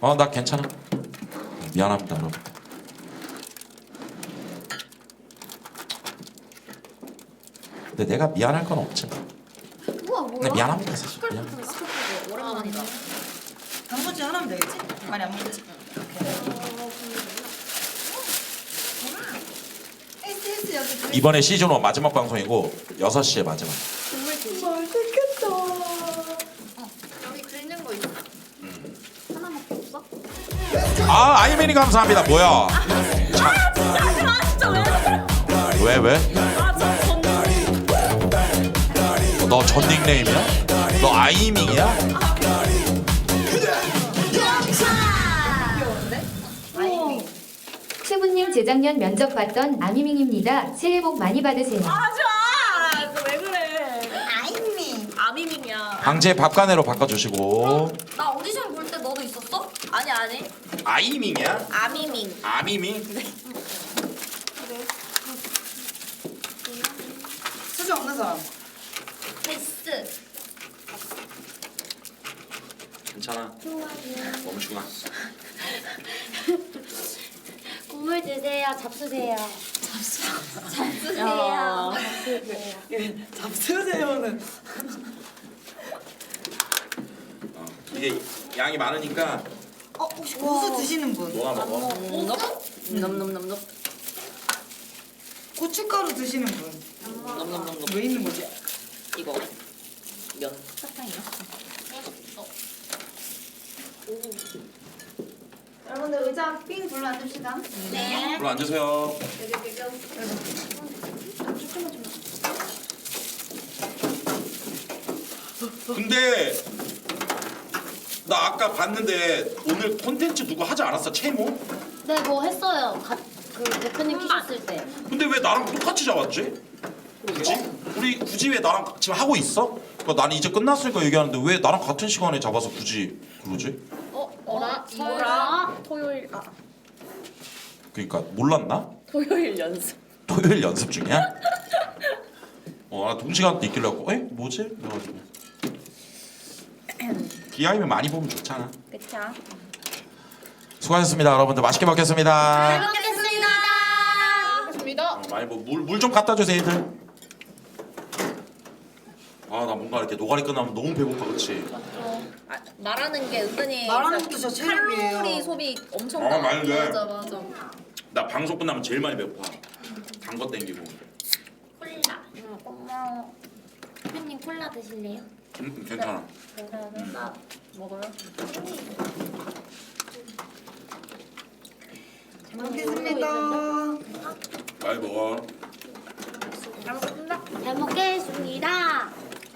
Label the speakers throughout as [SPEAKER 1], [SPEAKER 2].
[SPEAKER 1] 나 괜찮아. 미안합니다 여러분. 근데 내가 미안할 건 없지.
[SPEAKER 2] 우와
[SPEAKER 1] 근데
[SPEAKER 2] 뭐야?
[SPEAKER 1] 미안합니다 사실. 미안.
[SPEAKER 2] 스컬프 스컬프 오랜만이다.
[SPEAKER 3] 단무지 하나면 되겠지? 많이 안 먹겠지? SS 여기
[SPEAKER 1] 이번에 시즌 1 마지막 방송이고 6시에 마지막.
[SPEAKER 2] 국물 드시.
[SPEAKER 3] 맛있겠다.
[SPEAKER 2] 여기 긁는 거 있어. 하나밖에 없어?
[SPEAKER 1] 아이민이 감사합니다. 뭐야? 왜 왜? 너 전 닉네임이야? 너 아이밍이야?
[SPEAKER 3] 귀여운데? 아이미.
[SPEAKER 4] 최부님 재작년 면접 봤던 아미밍입니다. 새해 복 많이 받으세요.
[SPEAKER 5] 하지마! 왜 그래?
[SPEAKER 3] 아이미.
[SPEAKER 5] 아미밍이야.
[SPEAKER 1] 방제 밥가네로 바꿔주시고.
[SPEAKER 2] 나 오디션 볼 때 너도 있었어?
[SPEAKER 5] 아니 아니.
[SPEAKER 1] 아이밍이야?
[SPEAKER 5] 아미밍.
[SPEAKER 1] 아미밍?
[SPEAKER 3] 수저 없는 사람.
[SPEAKER 2] 베스.
[SPEAKER 1] 괜찮아. 멈추구나.
[SPEAKER 2] 국물 드세요. 잡수세요. 잡수세요.
[SPEAKER 3] 잡수세요는.
[SPEAKER 1] 이게 양이 많으니까
[SPEAKER 3] 혹시 고수 드시는 분?
[SPEAKER 1] 너나 먹어.
[SPEAKER 5] 넘넘넘넘.
[SPEAKER 3] 고춧가루 드시는 분?
[SPEAKER 5] 넘넘넘넘.
[SPEAKER 3] 왜 있는 거지?
[SPEAKER 5] 이거 면 사탕이야?
[SPEAKER 2] 여러분들 의자 삥 둘러 앉읍시다.
[SPEAKER 5] 네.
[SPEAKER 1] 불러 앉으세요. 근데 나 아까 봤는데 오늘 콘텐츠 누구 하지 않았어? 채모?
[SPEAKER 2] 네, 뭐 했어요. 그 대표님 키셨을 때.
[SPEAKER 1] 근데 왜 나랑 똑같이 잡았지? 굳이? 우리 굳이 왜 나랑 지금 하고 있어? 그러니까 나는 이제 끝났으니까 얘기하는데 왜 나랑 같은 시간에 잡아서 굳이 그러지?
[SPEAKER 2] 어라?
[SPEAKER 5] 이거랑 토요일
[SPEAKER 1] 그러니까 몰랐나?
[SPEAKER 5] 토요일 연습.
[SPEAKER 1] 토요일 연습 중이야? 나 동시간대 있길래 갖고 뭐지? 그래가지고 비하이면 많이 보면 좋잖아.
[SPEAKER 5] 그쵸?
[SPEAKER 1] 수고하셨습니다 여러분들. 맛있게 먹겠습니다.
[SPEAKER 2] 먹겠습니다.
[SPEAKER 1] 많이 물 좀 갖다 주세요 애들. 나 뭔가 이렇게 노가리 끝나면 너무 배고파. 그치?
[SPEAKER 5] 말하는 게 은근히
[SPEAKER 3] 말하는
[SPEAKER 5] 진짜
[SPEAKER 3] 것도 진짜 체력이에요.
[SPEAKER 5] 칼로리 소비 엄청
[SPEAKER 1] 많이 돼.
[SPEAKER 2] 맞아.
[SPEAKER 1] 나 방송 끝나면 제일 많이 배고파. 단 거 땡기고.
[SPEAKER 2] 콜라. 고마워. 대표님 콜라 드실래요?
[SPEAKER 1] 괜찮아.
[SPEAKER 2] 나
[SPEAKER 5] 먹어요?
[SPEAKER 3] 잘 먹겠습니다.
[SPEAKER 1] 많이 먹어.
[SPEAKER 2] 잘 먹겠습니다.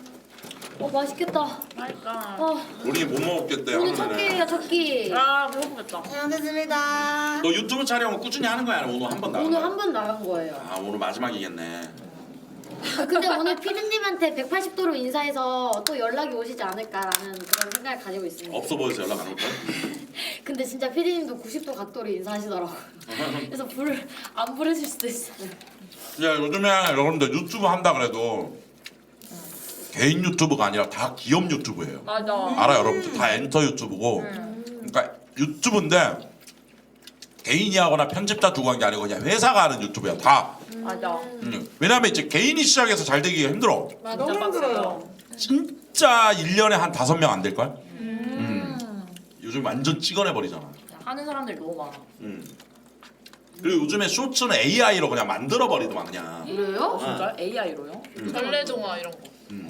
[SPEAKER 2] 맛있겠다.
[SPEAKER 5] 맛있다.
[SPEAKER 1] 우리 못 먹었겠대
[SPEAKER 2] 오늘 첫
[SPEAKER 1] 하면은.
[SPEAKER 2] 끼예요, 첫 끼.
[SPEAKER 5] 아 배고프겠다.
[SPEAKER 3] 잘 먹겠습니다.
[SPEAKER 1] 너 유튜브 촬영은 꾸준히 하는 거야? 아니면 오늘 한 번 나간
[SPEAKER 2] 오늘
[SPEAKER 1] 거야?
[SPEAKER 2] 한 번 나간 거예요.
[SPEAKER 1] 오늘 마지막이겠네.
[SPEAKER 2] 근데 오늘 피디님한테 180도로 인사해서 또 연락이 오시지 않을까라는 그런 생각을 가지고 있습니다.
[SPEAKER 1] 없어 보여서 연락 안 올 거야?
[SPEAKER 2] 근데 진짜 피디님도 90도 각도로 인사하시더라고요. 그래서 안 부르실 수도 있어요.
[SPEAKER 1] 야 요즘에 여러분들 유튜브 한다 그래도 개인 유튜브가 아니라 다 기업 유튜브예요.
[SPEAKER 5] 맞아.
[SPEAKER 1] 알아 여러분들 다 엔터 유튜브고. 그러니까 유튜브인데 개인이 하거나 편집자 두고 한 게 아니고 그냥 회사가 하는 유튜브야 다.
[SPEAKER 5] 맞아.
[SPEAKER 1] 왜냐면 이제 개인이 시작해서 잘 되기가 힘들어.
[SPEAKER 3] 너무 힘들어요.
[SPEAKER 1] 진짜 1년에 한 5명 안 될걸? 요즘 완전 찍어내버리잖아.
[SPEAKER 5] 하는 사람들이 너무 많아.
[SPEAKER 1] 그리고 요즘에 쇼츠는 AI로 그냥 만들어버리더만 그냥.
[SPEAKER 2] 그래요?
[SPEAKER 5] 진짜 AI로요?
[SPEAKER 6] 전래동화 이런 거.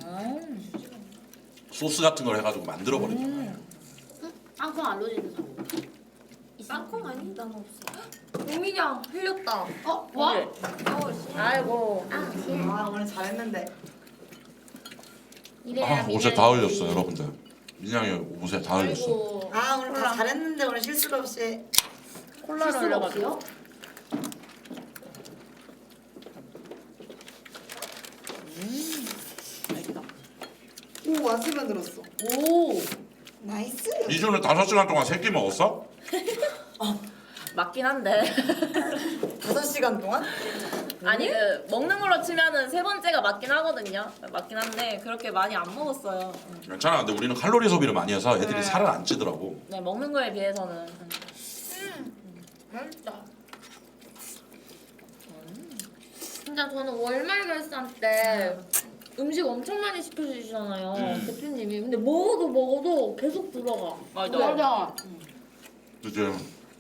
[SPEAKER 1] 소스 같은 걸 해가지고 만들어버리더만.
[SPEAKER 2] 땅콩 알러지는 사람. 땅콩 아니? 난 없어. 우민양 흘렸다. 와?
[SPEAKER 5] 그래. 아이고.
[SPEAKER 3] 오늘 잘했는데.
[SPEAKER 1] 옷에 다 흘렸어 여러분들. 민양이 옷에 다 흘렸어.
[SPEAKER 2] 아이고.
[SPEAKER 3] 오늘 다 잘했는데 오늘 실수도 없이.
[SPEAKER 5] 콜라를
[SPEAKER 2] 실수가
[SPEAKER 5] 흘려가지고.
[SPEAKER 2] 없어요?
[SPEAKER 3] 오 와스가 들었어.
[SPEAKER 2] 오.
[SPEAKER 3] 나이스.
[SPEAKER 1] 이준은 5시간 동안 3끼 먹었어?
[SPEAKER 5] 맞긴 한데.
[SPEAKER 3] 5시간 동안?
[SPEAKER 5] 아니 그 먹는 걸로 치면은 세 번째가 맞긴 하거든요. 맞긴 한데 그렇게 많이 안 먹었어요.
[SPEAKER 1] 괜찮아. 근데 우리는 칼로리 소비를 많이 해서 애들이
[SPEAKER 5] 네.
[SPEAKER 1] 살을 안 찌더라고.
[SPEAKER 5] 네 먹는 거에 비해서는
[SPEAKER 2] 맛있다. 진짜 저는 월말 결산 때 음식 엄청 많이 시켜주시잖아요, 대표님이. 근데 먹어도 계속 들어가.
[SPEAKER 5] 맞아.
[SPEAKER 1] 그치?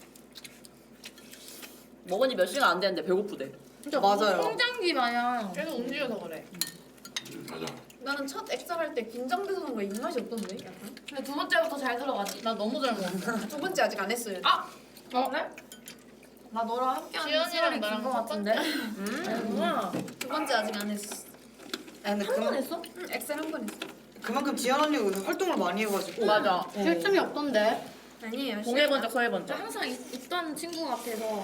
[SPEAKER 5] 먹은 지 몇 시간 안 됐는데 배고프대.
[SPEAKER 2] 진짜
[SPEAKER 3] 맞아요.
[SPEAKER 2] 성장기 마냥.
[SPEAKER 6] 계속 움직여서 그래.
[SPEAKER 1] 맞아.
[SPEAKER 6] 나는 첫 엑셀 할 때 긴장돼서 그런 거 입맛이 없던데 약간.
[SPEAKER 2] 근데 두 번째부터 잘 들어가지.
[SPEAKER 6] 나 너무 잘 먹었어. 두 번째 아직 안 했어요.
[SPEAKER 2] 그래? 나 너랑 함께하는 시간이
[SPEAKER 6] 나랑
[SPEAKER 2] 긴것 같은데?
[SPEAKER 5] 아니구나.
[SPEAKER 6] 두 번째 아직 안 했어.
[SPEAKER 3] 아, 근데
[SPEAKER 2] 한 번 했어?
[SPEAKER 6] 응, 엑셀 한 번 했어.
[SPEAKER 3] 그만큼 지연 언니가 요새 활동을 많이 해가지고.
[SPEAKER 5] 맞아.
[SPEAKER 2] 쉴 틈이 없던데?
[SPEAKER 6] 아니에요.
[SPEAKER 5] 동해 번쩍 서해
[SPEAKER 2] 저
[SPEAKER 5] 번쩍.
[SPEAKER 2] 항상 있던 친구 같아서.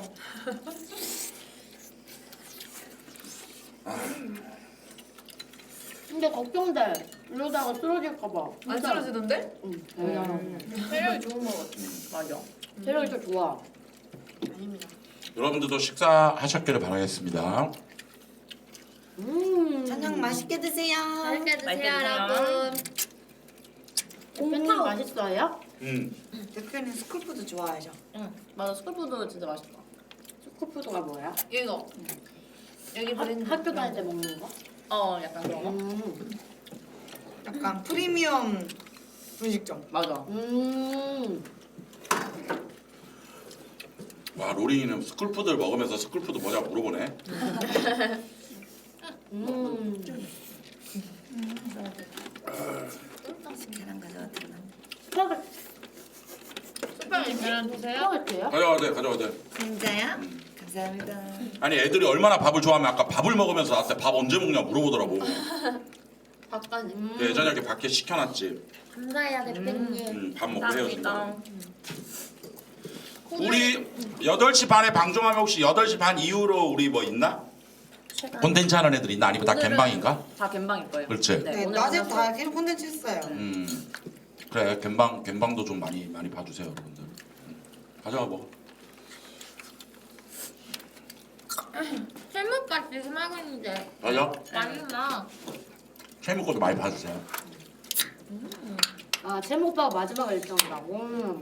[SPEAKER 2] 근데 걱정돼. 이러다가 쓰러질까봐.
[SPEAKER 6] 안 쓰러지던데?
[SPEAKER 2] 응.
[SPEAKER 6] 체력이 좋은 거 같아.
[SPEAKER 5] 맞아.
[SPEAKER 2] 체력이 더 좋아.
[SPEAKER 6] 아닙니다.
[SPEAKER 1] 여러분들도 식사하셨기를 바라겠습니다.
[SPEAKER 3] 저녁 맛있게 드세요.
[SPEAKER 2] 맛있게 드세요,
[SPEAKER 5] 맛있게 드세요.
[SPEAKER 2] 여러분. 대표님 맛있어요?
[SPEAKER 3] 대표님 스쿨푸드 좋아하죠?
[SPEAKER 5] 응. 맞아 스쿨푸드 진짜 맛있다.
[SPEAKER 2] 스쿠푸드가 뭐야?
[SPEAKER 6] 이거. 여기 브랜드.
[SPEAKER 2] 학교 다닐 때 먹는 거?
[SPEAKER 5] 약간 그런 거.
[SPEAKER 3] 약간 프리미엄 분식점.
[SPEAKER 5] 맞아.
[SPEAKER 1] 와 로링이는 스쿨푸드를 먹으면서 스쿨푸드 뭐냐 물어보네.
[SPEAKER 3] 계란 가져왔잖아.
[SPEAKER 6] 스파게티 계란 드세요?
[SPEAKER 2] 스파게티요?
[SPEAKER 1] 가져와도 돼, 가져와도 돼.
[SPEAKER 3] 진짜요? 감사합니다.
[SPEAKER 1] 아니 애들이 얼마나 밥을 좋아하면 아까 밥을 먹으면서 나한테 밥 언제 먹냐 물어보더라고.
[SPEAKER 2] 닭가슴.
[SPEAKER 1] 예전에 이렇게 밖에 시켜놨지.
[SPEAKER 2] 감사해요, 대표님.
[SPEAKER 1] 밥 먹고
[SPEAKER 5] 감사합니다.
[SPEAKER 1] 헤어진다. 우리 8시 반에 방송하면 혹시 8시 반 이후로 우리 뭐 있나? 콘텐츠 하는 애들 있나? 아니면 다
[SPEAKER 5] 오늘은-
[SPEAKER 1] 갬방인가?
[SPEAKER 5] 다 갬방일 거예요.
[SPEAKER 1] 그렇지.
[SPEAKER 3] 네,
[SPEAKER 5] 오늘
[SPEAKER 3] 낮에
[SPEAKER 5] 끝나서-
[SPEAKER 3] 다 계속 콘텐츠 했어요.
[SPEAKER 1] 그래 갬방도 좀 많이 봐주세요 여러분들. 가져가 먹어.
[SPEAKER 2] 셀프가 지금 하고 있는데
[SPEAKER 1] 가져.
[SPEAKER 2] 맛있나?
[SPEAKER 1] 채무 것도 많이 봐주세요.
[SPEAKER 2] 아, 채무 오빠가 마지막 일정이라고?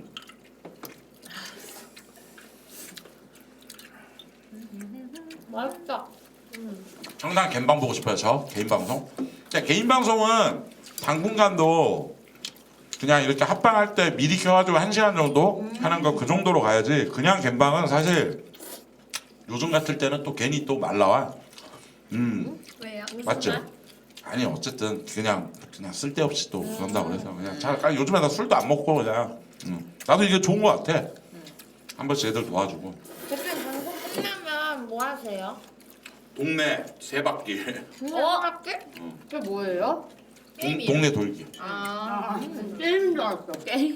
[SPEAKER 2] 맛있다.
[SPEAKER 1] 정당 갬방 보고 싶어요 저 개인 방송. 근데 개인 방송은 당분간도 그냥 이렇게 합방할 때 미리 켜가지고 1시간 정도 하는 거 그 정도로 가야지. 그냥 갬방은 사실 요즘 같을 때는 또 괜히 또 말라와.
[SPEAKER 6] 왜요?
[SPEAKER 1] 맞죠? 아니 어쨌든 그냥 쓸데없이 또 그런다 그래서 그냥 잘 요즘에 나 술도 안 먹고 그냥 나도 이게 좋은 거 같아. 한 번씩 애들 도와주고.
[SPEAKER 2] 대표님 방송 끝나면 뭐 하세요?
[SPEAKER 1] 동네 세 바퀴.
[SPEAKER 2] 할게? 그게 뭐예요?
[SPEAKER 1] 동네 돌기.
[SPEAKER 2] 아, 게임인 줄 알았어.
[SPEAKER 5] 게임.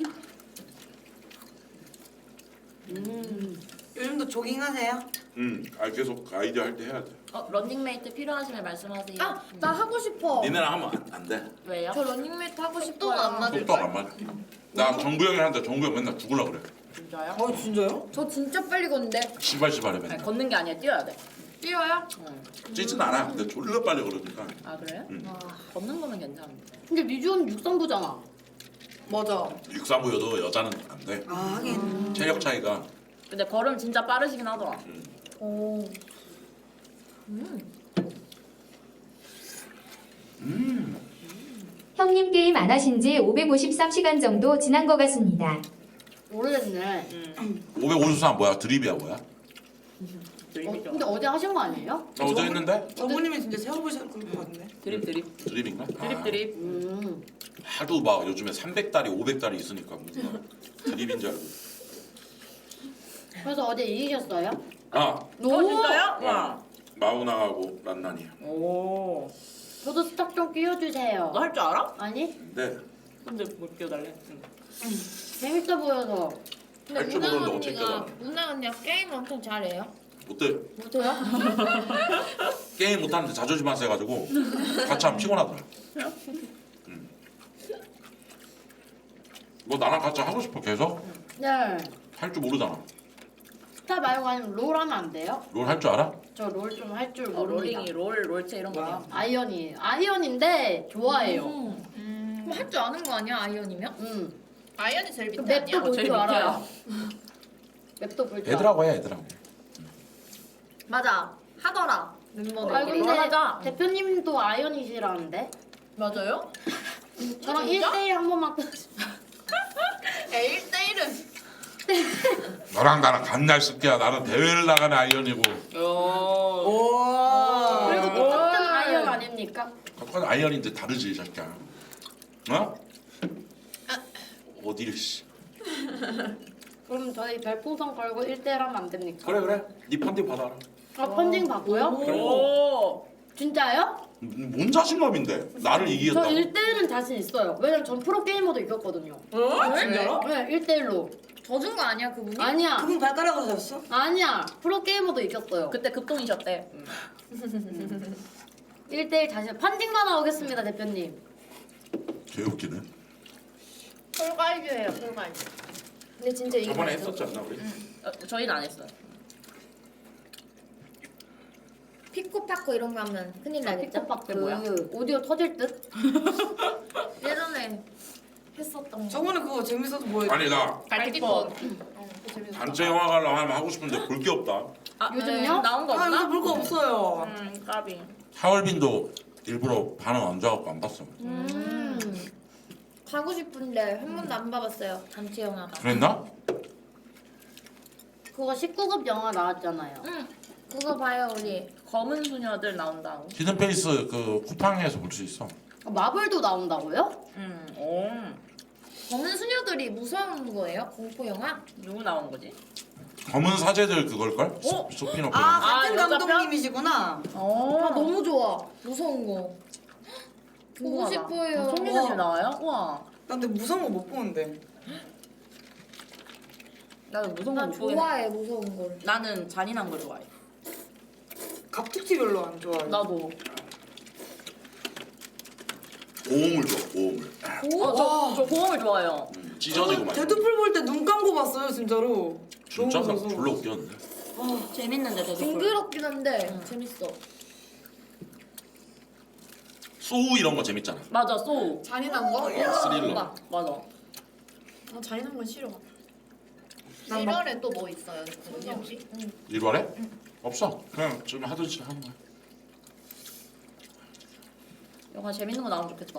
[SPEAKER 3] 요즘도 조깅하세요?
[SPEAKER 1] 계속 아이디어 할 때 해야 돼.
[SPEAKER 5] 런닝메이트 필요하시면 말씀하세요.
[SPEAKER 2] 아, 나 하고 싶어.
[SPEAKER 1] 니네랑 하면 안 돼.
[SPEAKER 5] 왜요?
[SPEAKER 2] 저 런닝메이트 하고 싶어요.
[SPEAKER 6] 안 맞을
[SPEAKER 1] 속도가 안 맞아. 나 정구 형이한테 정구 형 맨날 죽을라 그래.
[SPEAKER 5] 진짜요?
[SPEAKER 3] 진짜요?
[SPEAKER 2] 저 진짜 빨리 걷는데.
[SPEAKER 1] 시발시발해
[SPEAKER 5] 아니,
[SPEAKER 1] 맨날.
[SPEAKER 5] 걷는 게 아니라 뛰어야 돼.
[SPEAKER 2] 뛰어요?
[SPEAKER 1] 찌진 않아. 근데 졸라 빨리 그러니까.
[SPEAKER 5] 아 그래요?
[SPEAKER 1] 응.
[SPEAKER 5] 걷는 거면 괜찮은데.
[SPEAKER 2] 근데 미주는 육상부잖아.
[SPEAKER 3] 맞아.
[SPEAKER 1] 육상부여도 여자는 안 돼.
[SPEAKER 3] 아 하긴.
[SPEAKER 1] 체력 차이가.
[SPEAKER 5] 근데 걸음 진짜 빠르시긴 하더라.
[SPEAKER 2] 오.
[SPEAKER 4] 형님 게임 안 하신 지 553시간 정도 지난 것 같습니다.
[SPEAKER 2] 오래됐네.
[SPEAKER 1] 553 뭐야? 드립이야 뭐야?
[SPEAKER 5] 드립이죠.
[SPEAKER 2] 근데 어제 하신 거 아니에요?
[SPEAKER 1] 나 어제 했는데?
[SPEAKER 3] 어머님이 진짜 세워보실 것 같은데.
[SPEAKER 5] 드립.
[SPEAKER 1] 드립인가?
[SPEAKER 5] 드립
[SPEAKER 1] 아,
[SPEAKER 5] 드립.
[SPEAKER 1] 하도 막 요즘에 300달이 500달이 있으니까 뭔가 드립인 줄 알고.
[SPEAKER 2] 그래서 어제 이기셨어요?
[SPEAKER 1] 아
[SPEAKER 5] 진짜요? 와.
[SPEAKER 1] 마우나하고 란난이.
[SPEAKER 5] 오.
[SPEAKER 2] 저도 스탑 좀 끼워주세요.
[SPEAKER 5] 너 할 줄 알아?
[SPEAKER 2] 아니?
[SPEAKER 1] 근데
[SPEAKER 5] 근데 못 끼워달래. 응.
[SPEAKER 2] 재밌어 보여서.
[SPEAKER 1] 할 줄 모르는데 어떻게 껴봐.
[SPEAKER 2] 문나 언니가 게임 엄청 잘해요.
[SPEAKER 1] 못해.
[SPEAKER 2] 못해요?
[SPEAKER 1] 게임 못하는데 자존심 안 세가지고 같이 하면 피곤하더라. 뭐 나랑 같이 하고 싶어 계속?
[SPEAKER 2] 네.
[SPEAKER 1] 할 줄 모르잖아.
[SPEAKER 7] 스타 말고 아니면 롤 하면 안 돼요?
[SPEAKER 1] 롤 할 줄 알아?
[SPEAKER 7] 저 롤 좀 할 줄
[SPEAKER 5] 어,
[SPEAKER 7] 모릅니다.
[SPEAKER 5] 롤링이 롤체 이런
[SPEAKER 3] 뭐야?
[SPEAKER 5] 거야.
[SPEAKER 7] 아이언이에요. 아이언인데 좋아해요.
[SPEAKER 2] 그럼 할 줄 아는 거 아니야 아이언이면?
[SPEAKER 6] 아이언이 제일
[SPEAKER 7] 그
[SPEAKER 6] 밑에
[SPEAKER 7] 맵도
[SPEAKER 6] 아니야?
[SPEAKER 7] 볼
[SPEAKER 5] 제일
[SPEAKER 7] 줄
[SPEAKER 5] 밑에야.
[SPEAKER 7] 알아요. 맵도 볼 줄 알아요.
[SPEAKER 1] 애들하고 해 애들하고.
[SPEAKER 2] 맞아 하더라
[SPEAKER 7] 아
[SPEAKER 2] 멤버들끼리.
[SPEAKER 7] 근데
[SPEAKER 5] 하자.
[SPEAKER 7] 대표님도 아이언이시라는데?
[SPEAKER 6] 맞아요?
[SPEAKER 7] 저랑
[SPEAKER 6] 진짜?
[SPEAKER 7] 1대1 한 번만
[SPEAKER 6] 에이 1대1은
[SPEAKER 1] 너랑 나랑 간날 쓸게야. 나는 대회를 나가는 아이언이고.
[SPEAKER 3] 오.
[SPEAKER 7] 그래도 똑같은 아이언 아닙니까?
[SPEAKER 1] 그건 아이언인데 다르지 이 새끼야. 어? 어디를 씨.
[SPEAKER 7] 그럼 저희 별풍선 걸고 1대1 하면 안 됩니까?
[SPEAKER 1] 그래. 네 펀딩 받아라.
[SPEAKER 7] 아 펀딩 받고요?
[SPEAKER 5] 오.
[SPEAKER 7] 진짜요?
[SPEAKER 1] 뭔 자신감인데? 나를
[SPEAKER 7] 저
[SPEAKER 1] 이기겠다고?
[SPEAKER 7] 1대1은 자신 있어요. 왜냐면 전 프로게이머도 이겼거든요.
[SPEAKER 3] 진짜로?
[SPEAKER 7] 네 1대1로.
[SPEAKER 2] 져준 거 아니야 그분이?
[SPEAKER 7] 아니야.
[SPEAKER 3] 그분 발가락으로 졌어?
[SPEAKER 7] 아니야. 프로게이머도 이겼어요.
[SPEAKER 5] 그때 급동이셨대.
[SPEAKER 7] 1대1 자신. 펀딩만 나오겠습니다 대표님.
[SPEAKER 1] 개웃기네.
[SPEAKER 6] 폴가이즈예요 폴가이즈. 근데 진짜 이게
[SPEAKER 1] 저번에 했었지 않나 우리?
[SPEAKER 5] 저희는 안 했어요.
[SPEAKER 2] 피코파코 이런 거 하면 큰일 나겠죠?
[SPEAKER 7] 피코박
[SPEAKER 5] 그게 뭐야?
[SPEAKER 7] 그 오디오 터질 듯?
[SPEAKER 2] 예전에 했었던 거.
[SPEAKER 3] 저번에 그거 재밌어서 뭐였지?
[SPEAKER 1] 아니 나
[SPEAKER 5] 갈티폰.
[SPEAKER 6] 그거 재밌었다.
[SPEAKER 1] 단체 영화 가려고 하면 하고 싶은데 볼 게 없다.
[SPEAKER 5] 아,
[SPEAKER 7] 요즘요?
[SPEAKER 5] 나온 거
[SPEAKER 3] 아
[SPEAKER 5] 없나?
[SPEAKER 3] 요새 볼 거 없어요.
[SPEAKER 5] 까비.
[SPEAKER 1] 하얼빈도 일부러 반응 안 좋아갖고 안 봤어.
[SPEAKER 2] 가고 싶은데 한 번도 안 봐봤어요 단체 영화가.
[SPEAKER 1] 그랬나?
[SPEAKER 7] 그거 19급 영화 나왔잖아요.
[SPEAKER 2] 응 그거 봐요 우리.
[SPEAKER 5] 검은 수녀들 나온다고.
[SPEAKER 1] 히든페이스 그 쿠팡에서 볼 수 있어.
[SPEAKER 7] 마블도 나온다고요?
[SPEAKER 5] 오.
[SPEAKER 2] 검은 수녀들이 무서운 거예요? 공포 영화?
[SPEAKER 5] 누구 나온 거지?
[SPEAKER 1] 검은 사제들 그걸걸?
[SPEAKER 5] 어?
[SPEAKER 1] 스피노프.
[SPEAKER 3] 아
[SPEAKER 5] 아,
[SPEAKER 3] 같은
[SPEAKER 5] 여자
[SPEAKER 3] 감독님이시구나.
[SPEAKER 2] 아 너무 좋아 무서운 거. 보고
[SPEAKER 5] 궁금하다.
[SPEAKER 2] 싶어요.
[SPEAKER 5] 송혜교 나와요? 우와.
[SPEAKER 3] 나 근데 무서운 거 못 보는데.
[SPEAKER 5] 나는 무서운 거
[SPEAKER 2] 난
[SPEAKER 5] 못 보겠네.
[SPEAKER 2] 좋아해 무서운 걸.
[SPEAKER 5] 나는 잔인한 걸 좋아해.
[SPEAKER 3] 갑툭튀 별로 안 좋아해.
[SPEAKER 5] 나도.
[SPEAKER 1] 고음을 줘. 고음을.
[SPEAKER 5] 저 고음을 좋아해요.
[SPEAKER 1] 찢어지고 막.
[SPEAKER 3] 데드풀 볼 때 눈 감고 봤어요 진짜로.
[SPEAKER 1] 진짜 나
[SPEAKER 3] 너무 무서워.
[SPEAKER 1] 졸라 웃겼는데.
[SPEAKER 5] 재밌는데 저도.
[SPEAKER 2] 징그럽긴 한데 재밌어.
[SPEAKER 1] 소우 이런 거 재밌잖아.
[SPEAKER 5] 맞아 소우.
[SPEAKER 6] 잔인한 거?
[SPEAKER 1] 스릴러.
[SPEAKER 5] 맞아.
[SPEAKER 6] 아 잔인한 건 싫어.
[SPEAKER 3] 난 막-
[SPEAKER 6] 1월에 또 뭐 있어요? 언니 혹시?
[SPEAKER 1] 1월에? 없어. 그냥 좀 하듯이 하는 거야.
[SPEAKER 5] 영화 재밌는 거 나오면 좋겠다.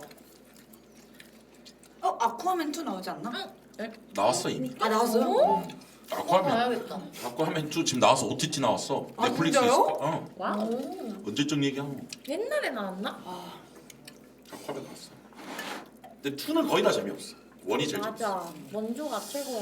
[SPEAKER 3] 아쿠아맨 2 나오지 않나?
[SPEAKER 1] 나왔어 이미.
[SPEAKER 3] 아 나왔어요?
[SPEAKER 1] 아쿠아맨.
[SPEAKER 6] 봐야겠다.
[SPEAKER 1] 아쿠아맨 2 지금 나와서 OTT 나왔어.
[SPEAKER 3] 아,
[SPEAKER 1] 넷플릭스
[SPEAKER 3] 진짜요?
[SPEAKER 1] 있을 거야. 어.
[SPEAKER 5] 와.
[SPEAKER 1] 언제쯤 얘기하노?
[SPEAKER 2] 옛날에 나왔나?
[SPEAKER 1] 아쿠아맨 나왔어. 근데 2는 거의 다 재미없어. 1이 제일 재밌어.
[SPEAKER 2] 맞아. 원조가 최고야.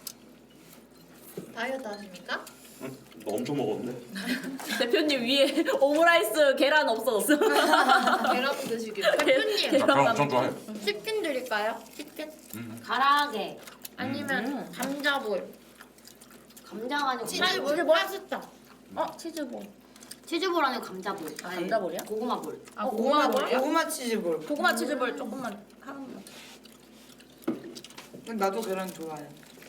[SPEAKER 6] 다이어트 하십니까?
[SPEAKER 1] 응? 너 엄청 먹었는데?
[SPEAKER 5] 대표님 위에 오므라이스 계란 없어졌어.
[SPEAKER 6] 계란 드시길.
[SPEAKER 2] 대표님
[SPEAKER 1] 나 그럼 엄청 좋아해.
[SPEAKER 2] 치킨 드릴까요? 치킨?
[SPEAKER 7] 가라아게.
[SPEAKER 2] 아니면 감자볼.
[SPEAKER 7] 감자가 아니고
[SPEAKER 2] 치즈볼 파스타.
[SPEAKER 5] 치즈볼.
[SPEAKER 7] 치즈볼 아니고 감자볼.
[SPEAKER 5] 아, 감자볼이야?
[SPEAKER 7] 고구마볼.
[SPEAKER 6] 아 고구마볼이요?
[SPEAKER 3] 고구마 치즈볼.
[SPEAKER 5] 고구마 치즈볼 조금만 하나만.
[SPEAKER 3] 나도 계란 좋아해.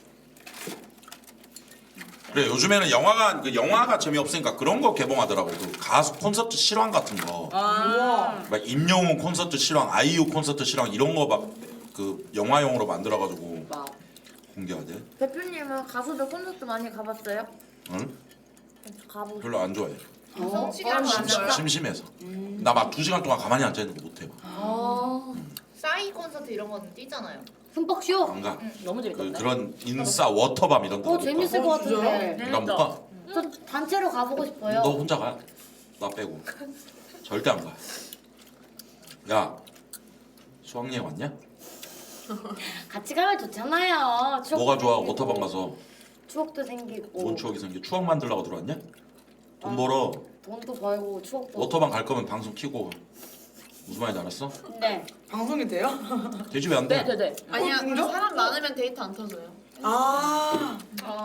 [SPEAKER 1] 그래 요즘에는 영화가 재미없으니까 그런 거 개봉하더라고. 그 가수 콘서트 실황 같은 거.
[SPEAKER 5] 아.
[SPEAKER 1] 막 임영웅 콘서트 실황, 아이유 콘서트 실황 이런 거 막 그 영화용으로 만들어가지고
[SPEAKER 5] 와.
[SPEAKER 1] 공개하대.
[SPEAKER 2] 대표님은 가수들 콘서트 많이 가봤어요?
[SPEAKER 1] 응?
[SPEAKER 2] 가보고.
[SPEAKER 1] 별로 안 좋아해.
[SPEAKER 6] 시간 많아요.
[SPEAKER 1] 심심해서. 나 막 2시간 동안 가만히 앉아 있는 거 못해.
[SPEAKER 6] 싸이 콘서트 이런 거는 뛰잖아요.
[SPEAKER 7] 흠뻑쇼.
[SPEAKER 1] 안 가.
[SPEAKER 5] 너무 재밌던데.
[SPEAKER 1] 그런 인싸 워터밤 이런 거.
[SPEAKER 7] 재밌을 것 같은데.
[SPEAKER 1] 난못 가.
[SPEAKER 7] 저 단체로 가보고 싶어요.
[SPEAKER 1] 너 혼자 가. 나 빼고. 절대 안 가. 야, 수학여행 왔냐?
[SPEAKER 7] 같이 가면 좋잖아요. 추억도
[SPEAKER 1] 뭐가 좋아?
[SPEAKER 7] 생기고,
[SPEAKER 1] 워터밤 가서
[SPEAKER 7] 추억도 생기고.
[SPEAKER 1] 뭔 추억이 생겨? 추억 만들려고 들어왔냐? 돈 벌어.
[SPEAKER 7] 돈도 벌고 추억도.
[SPEAKER 1] 워터밤 갈 거면 방송 키고 가. 무슨 말인지 알았어?
[SPEAKER 7] 네.
[SPEAKER 3] 방송이 돼요?
[SPEAKER 1] 되지 왜 안 돼?
[SPEAKER 5] 네.
[SPEAKER 6] 아니야
[SPEAKER 3] 진짜?
[SPEAKER 6] 사람 많으면 데이트 안 터져요.
[SPEAKER 3] 아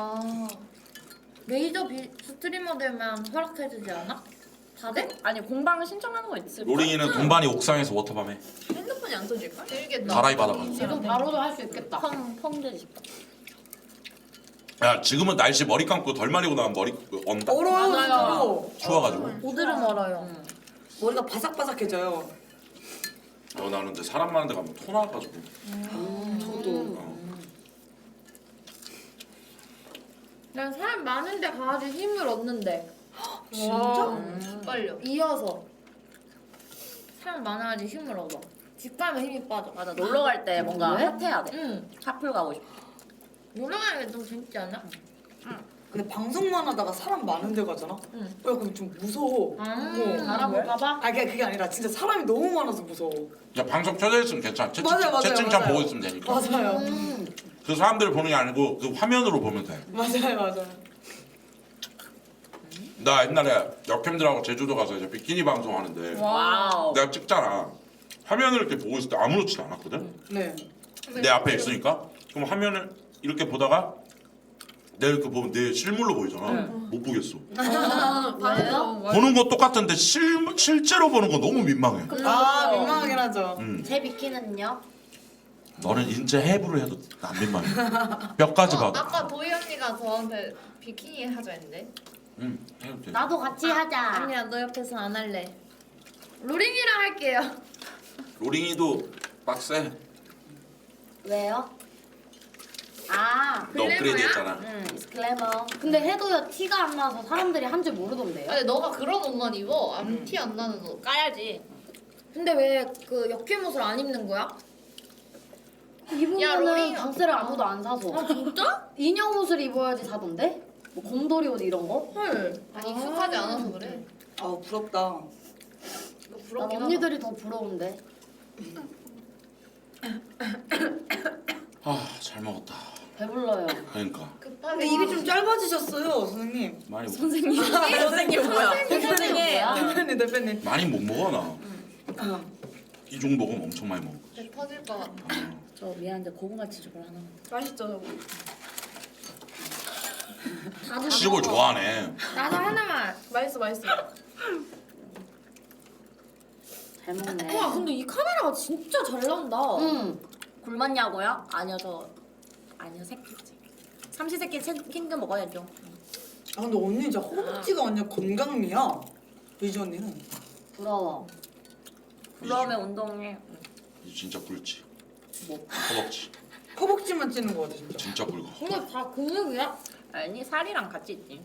[SPEAKER 2] 메이저 스트리머들만 허락해주지 않아? 다들?
[SPEAKER 5] 아니 공방 신청하는 거 있을
[SPEAKER 1] 로링이는 돈반이 옥상에서 워터밤 해.
[SPEAKER 6] 핸드폰이 안 터질까? 재밌겠다.
[SPEAKER 1] 다라이 받아가.
[SPEAKER 7] 지금 바로도 할 수 있겠다.
[SPEAKER 5] 펑 되지 싶다.
[SPEAKER 1] 야 지금은 날씨 머리 감고 덜 마리고 나면 머리 언다.
[SPEAKER 3] 얼어요
[SPEAKER 5] 맞아요.
[SPEAKER 3] 진짜로.
[SPEAKER 1] 추워가지고.
[SPEAKER 2] 보드름 얼어요.
[SPEAKER 3] 머리가 바삭바삭해져요.
[SPEAKER 1] 나는 근데 사람 많은 데 가면 토 나가지고.
[SPEAKER 3] 저도.
[SPEAKER 2] 난 사람 많은데 가야지 힘을 얻는데.
[SPEAKER 3] 진짜?
[SPEAKER 6] 빨려.
[SPEAKER 2] 이어서 사람 많아야지 힘을 얻어. 집 가면 힘이 빠져.
[SPEAKER 5] 맞아 놀러 갈 때 뭔가
[SPEAKER 7] 왜?
[SPEAKER 5] 핫해야 돼.
[SPEAKER 2] 응.
[SPEAKER 5] 핫플 가고 싶어.
[SPEAKER 2] 놀러 가는 게 좀 재밌지 않아?
[SPEAKER 3] 근데 방송만 하다가 사람 많은 데 가잖아?
[SPEAKER 2] 응.
[SPEAKER 3] 야 그럼 좀 무서워.
[SPEAKER 7] 알아볼까봐?
[SPEAKER 3] 그게 아니라 진짜 사람이 너무 많아서 무서워.
[SPEAKER 1] 야 방송 켜져 있으면 괜찮아.
[SPEAKER 3] 맞아요.
[SPEAKER 1] 채팅창 보고 있으면 되니까.
[SPEAKER 3] 맞아요.
[SPEAKER 1] 그 사람들을 보는 게 아니고 그 화면으로 보면 돼.
[SPEAKER 3] 맞아요.
[SPEAKER 1] 나 옛날에 역캠들하고 제주도 가서 이제 비키니 방송하는데
[SPEAKER 5] 와우.
[SPEAKER 1] 내가 찍잖아. 화면을 이렇게 보고 있을 때 아무렇지도 않았거든.
[SPEAKER 3] 네.
[SPEAKER 1] 내 앞에 있으니까 그럼 화면을 이렇게 보다가 내가 이렇게 보면 내 실물로 보이잖아. 못 보겠어.
[SPEAKER 6] 왜요?
[SPEAKER 1] 보는 거 똑같은데 실제로 보는 거 너무 민망해.
[SPEAKER 3] 아 민망하긴 하죠.
[SPEAKER 7] 제 비키는요?
[SPEAKER 1] 너는 인체 해부를 해도 안 민망해. 뼈까지 봐도.
[SPEAKER 6] 아까 도희 언니가 저한테 비키니 하자 했는데.
[SPEAKER 1] 응, 해도 돼.
[SPEAKER 7] 나도 같이 하자.
[SPEAKER 2] 아니야, 너 옆에서 안 할래. 로링이랑 할게요.
[SPEAKER 1] 로링이도 빡세.
[SPEAKER 7] 왜요? 아,
[SPEAKER 1] 너 업그레이드 했잖아.
[SPEAKER 7] 글래머. 근데 해도요 티가 안 나서 사람들이 한 줄 모르던데요?
[SPEAKER 6] 근데 너가 그런 옷만 입어. 티 안 나는 옷.
[SPEAKER 5] 까야지.
[SPEAKER 2] 근데 왜 그 역캠 옷을 안 입는 거야?
[SPEAKER 7] 입으면은
[SPEAKER 6] 야, 로링.
[SPEAKER 7] 방세를 아무도 안 사서.
[SPEAKER 2] 아 진짜?
[SPEAKER 7] 인형 옷을 입어야지 사던데? 뭐 곰돌이 옷 이런 거?
[SPEAKER 2] 헐.
[SPEAKER 6] 아니 익숙하지 않아서 그래.
[SPEAKER 3] 아 부럽다.
[SPEAKER 6] 너
[SPEAKER 7] 난
[SPEAKER 6] 부럽긴 하다.
[SPEAKER 7] 언니들이 더 부러운데.
[SPEAKER 1] 아, 잘 먹었다.
[SPEAKER 7] 배불러요.
[SPEAKER 1] 그러니까
[SPEAKER 6] 급하게.
[SPEAKER 3] 근데 입이 좀 짧아지셨어요 선생님.
[SPEAKER 1] 많이
[SPEAKER 5] 선생님 뭐야?
[SPEAKER 7] 선생님 뭐야?
[SPEAKER 3] 대표님.
[SPEAKER 1] 많이 못 먹어 나. 이 정도 먹으면 엄청 많이 먹어.
[SPEAKER 6] 배 터질 것 같아.
[SPEAKER 5] 저 미안한데 고구마 치즈볼 하나.
[SPEAKER 6] 맛있죠 저거.
[SPEAKER 2] 나도
[SPEAKER 1] 치즈볼 좋아하네.
[SPEAKER 2] 나도 하나만.
[SPEAKER 6] 맛있어.
[SPEAKER 7] 잘 먹네.
[SPEAKER 2] 와 근데 이 카메라가 진짜 잘 나온다.
[SPEAKER 7] 응.
[SPEAKER 5] 굶었냐고요? 아니요 새끼지. 삼시세끼 챙겨 먹어야죠.
[SPEAKER 3] 아 근데 언니 진짜 허벅지가 완전 건강미야. 유지 언니는.
[SPEAKER 7] 부러워.
[SPEAKER 5] 부러우면 운동해.
[SPEAKER 1] 이 진짜 굵지.
[SPEAKER 5] 뭐?
[SPEAKER 1] 허벅지.
[SPEAKER 3] 허벅지만 찌는 거 같아 진짜.
[SPEAKER 1] 진짜 굵어.
[SPEAKER 2] 이거 다 근육이야?
[SPEAKER 5] 아니 살이랑 같이 있지.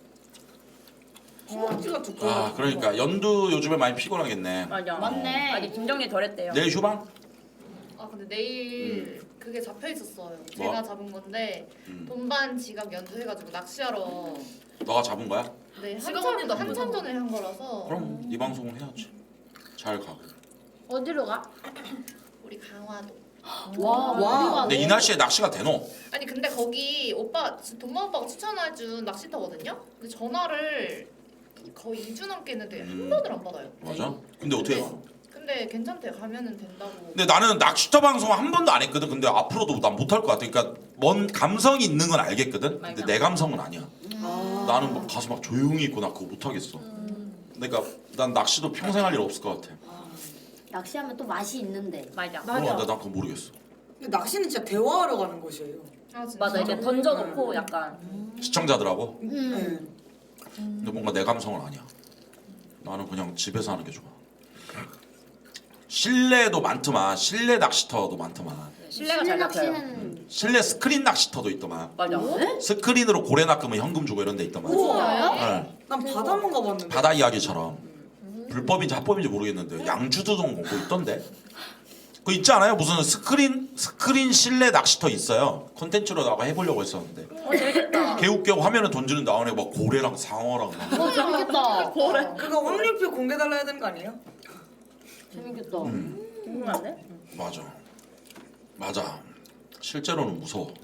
[SPEAKER 3] 허벅지가 두꺼워.
[SPEAKER 1] 아 그러니까 연두 요즘에 많이 피곤하겠네.
[SPEAKER 5] 맞아.
[SPEAKER 7] 맞네.
[SPEAKER 5] 아직 김정리 덜했대요.
[SPEAKER 1] 내일 휴방?
[SPEAKER 6] 아 근데 내일 그게 잡혀 있었어요.
[SPEAKER 1] 뭐?
[SPEAKER 6] 제가 잡은 건데 돈반 지갑 연주해가지고 낚시하러.
[SPEAKER 1] 너가 잡은 거야?
[SPEAKER 6] 네
[SPEAKER 5] 지갑 언니도
[SPEAKER 6] 한참
[SPEAKER 5] 한
[SPEAKER 6] 전에 한 거라서.
[SPEAKER 1] 그럼 이 방송을 해야지. 잘 가고.
[SPEAKER 2] 어디로 가?
[SPEAKER 6] 우리 강화도.
[SPEAKER 7] 와,
[SPEAKER 3] 와.
[SPEAKER 1] 근데 이 날씨에 낚시가 되노?
[SPEAKER 6] 아니 근데 거기 오빠 돈반 오빠가 추천해준 낚시터거든요. 근데 전화를 거의 2주 넘게 했는데 한 번을 안 받아요.
[SPEAKER 1] 맞아? 근데 어떻게 가?
[SPEAKER 6] 근데 괜찮대요. 가면은 된다고.
[SPEAKER 1] 근데 나는 낚시터 방송 한 번도 안 했거든. 근데 앞으로도 난 못할 것 같아. 그러니까 뭔 감성이 있는 건 알겠거든. 근데
[SPEAKER 5] 맞아.
[SPEAKER 1] 내 감성은 아니야.
[SPEAKER 3] 아.
[SPEAKER 1] 나는 막 가서 막 조용히 있고 나 그거 못하겠어. 그러니까 난 낚시도 평생 할 일 없을 것 같아.
[SPEAKER 7] 낚시하면 또 맛이 있는데.
[SPEAKER 5] 맞아.
[SPEAKER 1] 난 그거 모르겠어.
[SPEAKER 3] 근데 낚시는 진짜 대화하러 가는 곳이에요.
[SPEAKER 6] 아, 진짜?
[SPEAKER 5] 맞아 이제 던져놓고 약간
[SPEAKER 1] 시청자들하고.
[SPEAKER 3] 네.
[SPEAKER 1] 근데 뭔가 내 감성은 아니야. 나는 그냥 집에서 하는 게 좋아. 실내도 많더만. 실내 낚시터도 많더만.
[SPEAKER 5] 실내가 잘 잡혀요.
[SPEAKER 7] 낚시는
[SPEAKER 1] 실내 스크린 낚시터도 있더만.
[SPEAKER 5] 맞아.
[SPEAKER 1] 스크린으로 고래 낚으면 현금 주고 이런 데 있더만.
[SPEAKER 3] 우와.
[SPEAKER 1] 네.
[SPEAKER 3] 난 바다만 가봤는데.
[SPEAKER 1] 바다 이야기처럼 불법인지 합법인지 모르겠는데 양주도동 뭐 있던데. 그거 있지 않아요? 무슨 스크린 실내 낚시터 있어요. 콘텐츠로 나가 해보려고 했었는데.
[SPEAKER 5] 재밌겠다.
[SPEAKER 1] 개웃겨 화면에 던지는 나오네 막 고래랑 상어랑 막.
[SPEAKER 7] 어 재밌겠다.
[SPEAKER 3] 그거 확률표 공개 달라야 되는 거 아니에요?
[SPEAKER 7] 재밌겠다.
[SPEAKER 5] 궁금한데?
[SPEAKER 1] 맞아. 실제로는 무서워.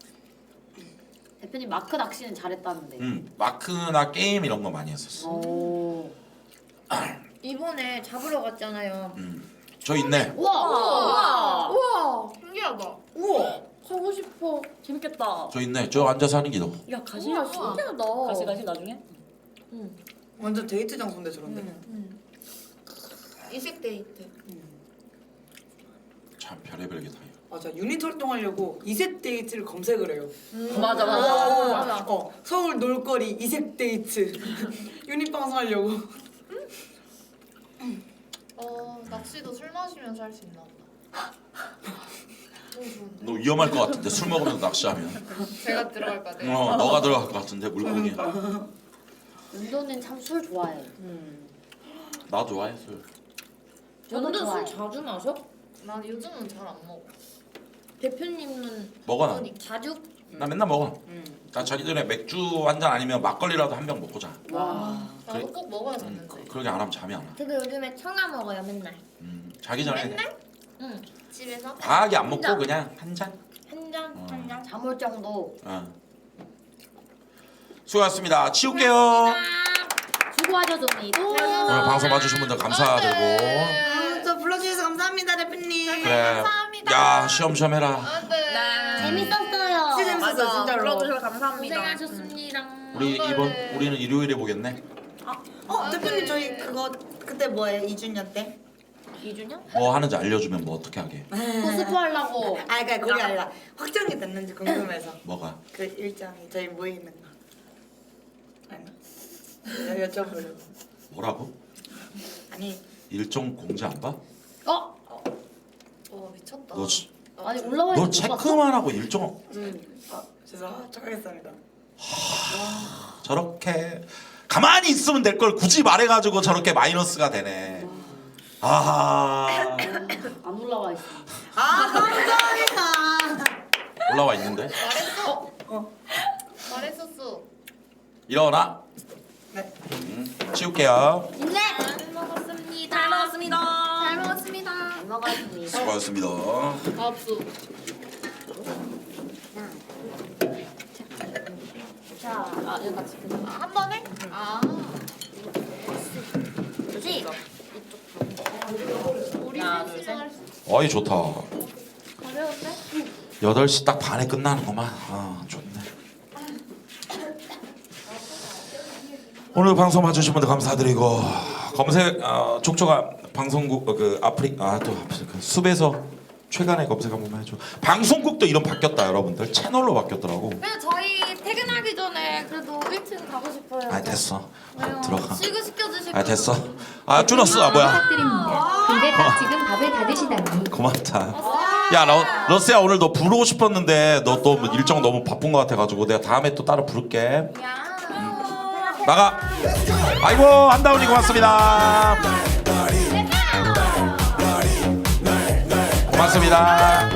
[SPEAKER 7] 대표님 마크 낚시는 잘했다는데.
[SPEAKER 1] 마크나 게임 이런 거 많이 했었어.
[SPEAKER 7] 오.
[SPEAKER 2] 이번에 잡으러 갔잖아요.
[SPEAKER 1] 저 있네.
[SPEAKER 7] 우와.
[SPEAKER 2] 우와
[SPEAKER 6] 신기하다.
[SPEAKER 3] 우와.
[SPEAKER 2] 가고 싶어.
[SPEAKER 5] 재밌겠다.
[SPEAKER 1] 저 있네. 저 앉아서 하는 기도.
[SPEAKER 5] 야 가시.
[SPEAKER 2] 우와 신기하다.
[SPEAKER 5] 가시 나중에?
[SPEAKER 3] 완전 데이트 장소인데 저런데.
[SPEAKER 6] 이식 데이트.
[SPEAKER 1] 참 별의별 게 다 있고.
[SPEAKER 3] 맞아 유닛 활동하려고 이색 데이트를 검색을 해요.
[SPEAKER 5] 맞아
[SPEAKER 2] 맞아.
[SPEAKER 3] 서울 놀거리 이색 데이트 유닛 방송하려고.
[SPEAKER 6] 낚시도 술 마시면서 할 수 있나 보다. 너무 좋은데.
[SPEAKER 1] 너 위험할 것 같은데 술 먹으면서 낚시하면.
[SPEAKER 6] 제가 들어갈 거네.
[SPEAKER 1] 너가 들어갈 것 같은데 물고기.
[SPEAKER 7] 은도는 참 술 좋아해.
[SPEAKER 1] 나 좋아해 술.
[SPEAKER 7] 저도
[SPEAKER 2] 연두 술
[SPEAKER 7] 좋아해.
[SPEAKER 2] 자주 마셔?
[SPEAKER 6] 난 요즘은 잘 안 먹어.
[SPEAKER 2] 대표님은
[SPEAKER 1] 먹어 나.
[SPEAKER 2] 자주?
[SPEAKER 1] 나 맨날 먹어. 나 자기 전에 맥주 한 잔 아니면 막걸리라도 한 병 먹고 자.
[SPEAKER 6] 나도 꼭 먹어야 잤는데.
[SPEAKER 1] 그러게 안 하면 잠이 안 와.
[SPEAKER 2] 저도 요즘에 청아 먹어요 맨날.
[SPEAKER 1] 자기 전에
[SPEAKER 2] 응.
[SPEAKER 6] 집에서?
[SPEAKER 1] 과하게 안 먹고
[SPEAKER 2] 진짜?
[SPEAKER 1] 그냥 한 잔.
[SPEAKER 2] 한 잔, 한 잔.
[SPEAKER 7] 잠올 정도.
[SPEAKER 1] 수고하셨습니다. 치울게요.
[SPEAKER 7] 수고하셨습니다.
[SPEAKER 1] 오늘 방송 봐주신 분들 감사드리고.
[SPEAKER 3] 저 불러주셔서 감사합니다 대표님.
[SPEAKER 1] 그래. 야 시험시험 해라.
[SPEAKER 6] 안 돼.
[SPEAKER 7] 재밌었어요.
[SPEAKER 3] 진짜 재밌었어요 진짜로.
[SPEAKER 5] 불러주셔서 감사합니다.
[SPEAKER 2] 고생하셨습니다.
[SPEAKER 1] 우리는 일요일에 보겠네.
[SPEAKER 3] 대표님 저희 그거 그때 뭐예요 2주년 때?
[SPEAKER 2] 2주년?
[SPEAKER 1] 뭐 하는지 알려주면 뭐 어떻게 하게.
[SPEAKER 7] 코스프 하려고.
[SPEAKER 3] 그러니까 그게 아니라 확정이 됐는지 궁금해서
[SPEAKER 1] 뭐가?
[SPEAKER 3] 그 일정이 저희 모이는 거. 아니 여쭤보려고.
[SPEAKER 1] 뭐라고?
[SPEAKER 3] 아니
[SPEAKER 1] 일정 공지 안 봐?
[SPEAKER 7] 어?
[SPEAKER 6] 와 미쳤다.
[SPEAKER 1] 너,
[SPEAKER 7] 아니 올라와
[SPEAKER 1] 너
[SPEAKER 7] 있는 거 봤어?
[SPEAKER 1] 체크만 하고 일정
[SPEAKER 3] 죄송합니다. 착하겠습니다.
[SPEAKER 1] 저렇게 가만히 있으면 될 걸 굳이 말해가지고 저렇게 마이너스가 되네. 아
[SPEAKER 7] 안 올라와 있어.
[SPEAKER 3] 감사합니다.
[SPEAKER 1] 올라와 있는데
[SPEAKER 6] 말했어. 말했었어.
[SPEAKER 1] 일어나.
[SPEAKER 3] 네.
[SPEAKER 1] 치울게요.
[SPEAKER 2] 네. 잘 먹었습니다.
[SPEAKER 5] 잘 먹었습니다.
[SPEAKER 2] 잘 먹었습니다.
[SPEAKER 7] 잘 먹었습니다.
[SPEAKER 1] 수고하셨습니다.
[SPEAKER 6] 밥수.
[SPEAKER 7] 자, 여기 같이 끝나.
[SPEAKER 6] 한 번에?
[SPEAKER 7] 그렇지?
[SPEAKER 6] 우리 셋이랑 할 수.
[SPEAKER 1] 어이 좋다.
[SPEAKER 6] 가벼운데?
[SPEAKER 1] 8시 딱 반에 끝나는구만. 좋네. 오늘 방송 봐주신 분들 감사드리고 검색 족조가 방송국 그 그 숲에서 최간의 검색 한 번만 해줘. 방송국도 이름 바뀌었다 여러분들. 채널로 바뀌었더라고.
[SPEAKER 2] 그래서 저희 퇴근하기 전에 그래도 1층 가고 싶어요.
[SPEAKER 1] 됐어.
[SPEAKER 2] 왜요?
[SPEAKER 1] 들어가.
[SPEAKER 2] 시그시켜주실
[SPEAKER 1] 됐어. 줄었어. 뭐야.
[SPEAKER 4] 부탁드립니다. 근데 지금 밥을 다 드시다니.
[SPEAKER 1] 고맙다. 야 러스야 오늘 너 부르고 싶었는데 너 또 일정 너무 바쁜 것 같아가지고 내가 다음에 또 따로 부를게. 나가. 아이고 한다운이 고맙습니다. 고맙습니다.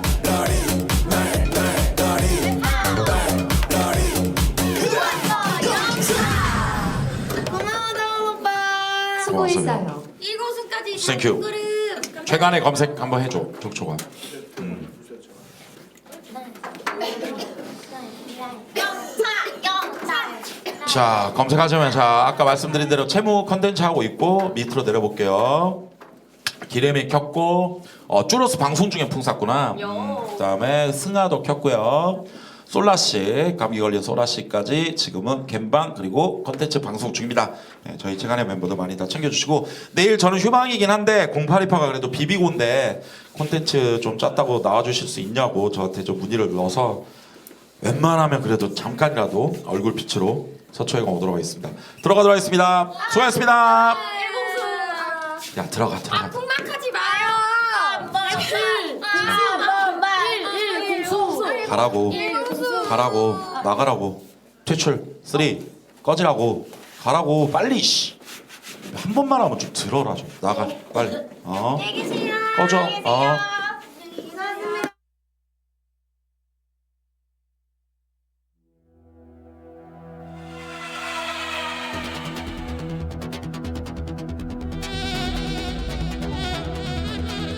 [SPEAKER 4] 수고했어요.
[SPEAKER 2] 1고수까지
[SPEAKER 1] 땡큐.
[SPEAKER 2] 그릇.
[SPEAKER 1] 최간의 검색 한번 해줘 족초가. 자 검색하시면 아까 말씀드린 대로 채무 컨텐츠 하고 있고 밑으로 내려볼게요. 기레미 켰고 쭈러스 방송 중에 풍 쐈구나. 그다음에 승하도 켰고요. 솔라씨 감기 걸린 솔라씨까지 지금은 갬방 그리고 컨텐츠 방송 중입니다. 저희 채간의 멤버들 많이 다 챙겨주시고 내일 저는 휴방이긴 한데 0828가 그래도 비비고인데 콘텐츠 좀 짰다고 나와주실 수 있냐고 저한테 좀 문의를 넣어서 웬만하면 그래도 잠깐이라도 얼굴 빛으로 서초회관 오도록 하겠습니다. 들어가도록 하겠습니다. 수고하셨습니다. 야 들어가.
[SPEAKER 2] 풍막하지 마요.
[SPEAKER 1] 가라고 나가라고 퇴출 3 꺼지라고 가라고 빨리 한 번만 하면 좀 들어라 좀 나가 빨리 꺼져